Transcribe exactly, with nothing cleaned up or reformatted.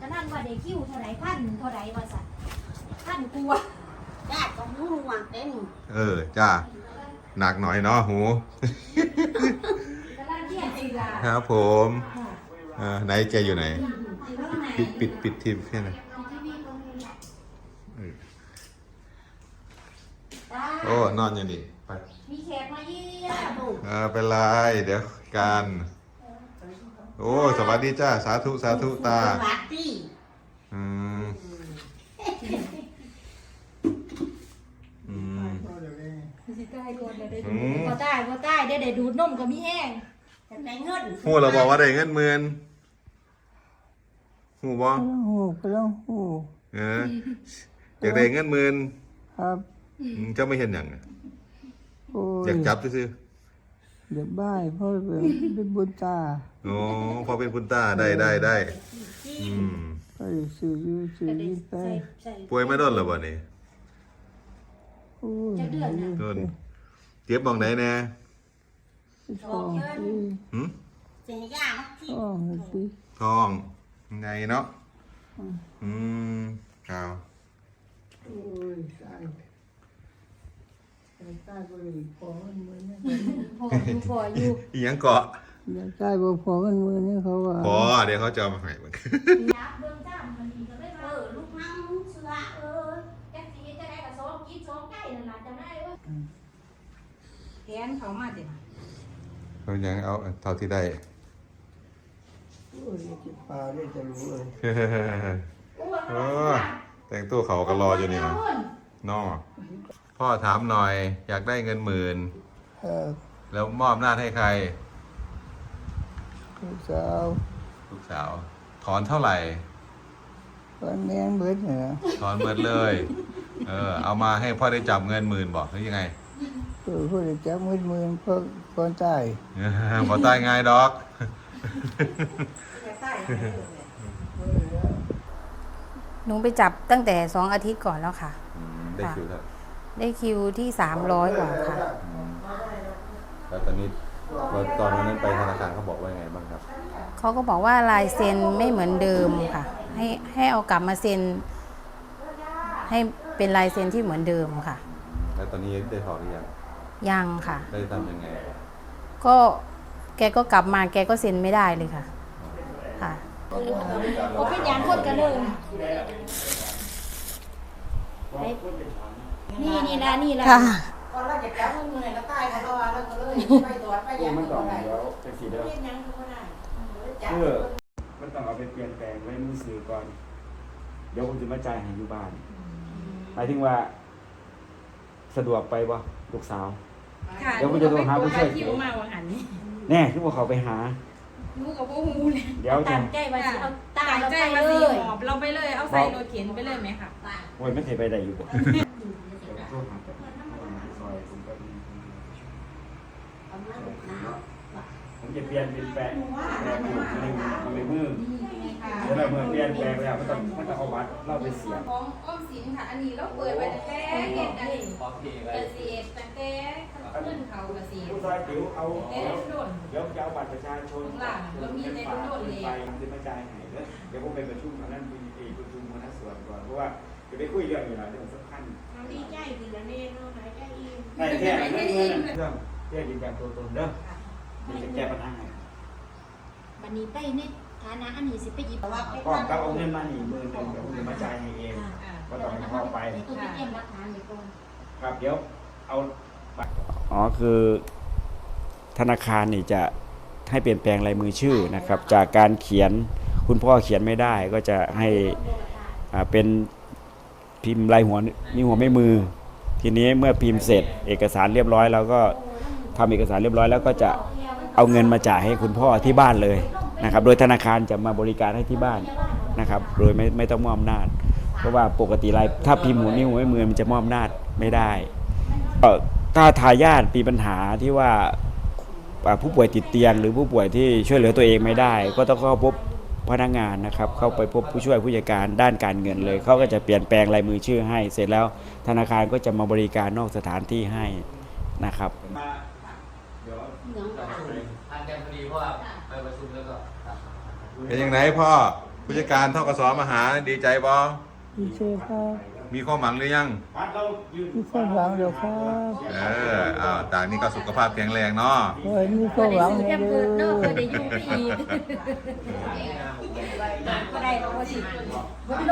นั่นว่าได้คิวเท่าไหร่พันเท่าไหร่ว่าสัตว์พันกลัวจ้าก็หูหวังเต็มเออจ้าหนักหน่อยเนาะหูครับผมเออไหนแกอยู่ไหนปิดปิดปิดทีมแค่ไหนโอ้นอนอย่างนี้ไปมีแขกมาเยี่ยมเออเป็นไรเดี๋ยวการโอ้สวัสดีจ้าสาธุสาธุตาอืมอืมสิใกล้ก่อนเลยได้ดูบ่ใต้บ่ใต้ได้ได้ดูดนมก็มีแห้งได้เงินหูเราบอกว่าได้เงินหมื่นหูบ่หูก็ต้องหูเอออยากได้เงินหมื่นครับเจ้าไม่เห็นอย่างอยากจับซื้อเดี๋ยวบ้ายเพราะเป็นเป็นบุญตาโอ้พอเป็นบุญตาได้ได้ได้อืมไปสื่อยูสื่อยิ่ไปป่วยไม่โดนหรอบ่นี่จะเดือนนะโดนเจ็บมองไหนแน่ท้องหืมเสียยาที่ท้องสิท้องไงเนาะอืมข่าวโอ้ยตายตายบริพอมันมือเนี่ยพออยู่พออยู่อีหยังเกาะตายบ่พอมันมือเนี่ยเขาว่าพอเดี๋ยวเขาจะมาให้มึงยับเบิ่งจ้ามันดีก็เลยเออลูกนั่งเสือเออแท็กซี่จะได้กับสองกินสองใกล้นั่นล่ะจะได้เว้ยแทนเขามาเด้เขายังเอาเท่าที่ได้โอ้ยจิปลาได้จะรู้เลยเออแต่งตัวเขาก็รออยู่นี่นะน้อพ่อถามหน่อยอยากได้เงินหมื่นแล้วมอบหน้าให้ใครลูกสาวลูกสาวถอนเท่าไหร่ถอนแมงเบิดเหรอถอนเบิดเลยเออเอามาให้พ่อได้จับเงินหมื่นบอกหรือยังไงเออพ่อได้จับเงินหมื่นพ่อพ่อตายพ่อตายง่ายดอกหนูไปจับตั้งแต่สองอาทิตย์ก่อนแล้วค่ะได้คิวแล้วได้คิวที่สามร้อยกว่าค่ะแล้วตอนนี้ตอนนั้นไปธนาคารเขาบอกว่าไงบ้างครับเขาก็บอกว่าลายเซ็นไม่เหมือนเดิมค่ะให้ให้เอากลับมาเซ็นให้เป็นลายเซ็นที่เหมือนเดิมค่ะแล้วตอนนี้ได้ถอนหรือยังยังค่ะได้ทำยังไงก็แกก็กลับมาแกก็เซ็นไม่ได้เลยค่ะค่ะผมเป็นยางคนกันเลยนี่นี่ละนี่ละค่ะตอนแรกจะแก้เงินแล้วตายเขาว่าแล้วก็เลยไปตรวจไปยังมันก่อนแล้วเป็นสีเดิมเออมันต้องเอาไปเปลี่ยนแปลงไว้มือสื่อก่อนเดี๋ยวผมจะมาจ่ายให้อยู่บ้านหมายถึงว่าสะดวกไปบ่ลูกสาวเดี๋ยวผมจะโทรหาผู้ช่วยแน่ที่ว่าเขาไปหาลูกกับพวกมูเลยเดี๋ยวตั้งใจว่าเอาตาเราไปเลยหอบเราไปเลยเอาใส่รถเข็นไปเลยไหมคะโอ้ยไม่เคยไปได้อยู่บ่ผมจะเปลี่ยนเป็นแปะแปะอยู่ในในมือแล้วเมื่อเปลี่ยนแปลงแล้วมันต้องมันต้องเอาบัตรเราไปเสียบของอ้อมสินค่ะอันนี้เราเปิดไปตั้งแต่เห็ดอันนี้เกษตรตั้งแต่ขึ้นเขาเกษตรผู้ชายติ๋วเอาเดี๋ยวจะเอาบัตรประชาชนหลังเรามีในรุ่นเลยไปจะมาจ่ายให้เดี๋ยวผมไปประชุมคณะมีเอกประชุมคณะส่วนก่อนเพราะว่าจะไปคุยเรื่องอยู่หลายเรื่องสำคัญดีใจดีละเน่เนาะหายใจอิ่มได้แค่เรื่องเรื่องเรื่องยืนยันตัวตนเด้อมีจะแก้ปัญหาให้บันนี้ไปเนี่ยฐานะอันนี้สิไปหยิบว่าพ่อกับเอาเงินมาหนีมือหนึ่งเดี๋ยวผมจะมาจ่ายให้เองก็ต้องให้พ่อไปครับเดี๋ยวเอาอ๋อคือธนาคารนี่จะให้เปลี่ยนแปลงลายมือชื่อนะครับจากการเขียนคุณพ่อเขียนไม่ได้ก็จะให้เป็นพิมพ์ลายหัวนิ้วหัวแม่มือทีนี้เมื่อพิมพ์เสร็จเอกสารเรียบร้อยแล้วก็ทำเอกสารเรียบร้อยแล้วก็จะเอาเงินมาจ่ายให้คุณพ่อที่บ้านเลยนะครับโดยธนาคารจะมาบริการให้ที่บ้านนะครับโดยไม่ไม่ต้องมอบอำนาจเพราะว่าปกติลายถ้าพิมพ์หัวนิ้วหัวแม่มือมันจะมอบอำนาจไม่ได้ถ้าทายาทมีปัญหาที่ว่าผู้ป่วยติดเตียงหรือผู้ป่วยที่ช่วยเหลือตัวเองไม่ได้ก็ต้องเข้าพบพนักงานนะครับเข้าไปพบผู้ช่วยผู้จัดการด้านการเงินเลยเขาก็จะเปลี่ยนแปลงลายมือชื่อให้เสร็จแล้วธนาคารก็จะมาบริการนอกสถานที่ให้นะครับเป็นยังไงพ่อผู้จัดการทกสมาหาดีใจบ่ดีเจครับมีความหวังหรือยังพัดเรายืนมีความหวังเดี๋ยวครับเอออ้าวต่างนี้ก็สุขภาพแข็งแรงเนาะโอ้ยมีความหวังแค่เด้เกิดเนาะอเกิดได้อยู่ไปอีกก็ได้เราก็สิ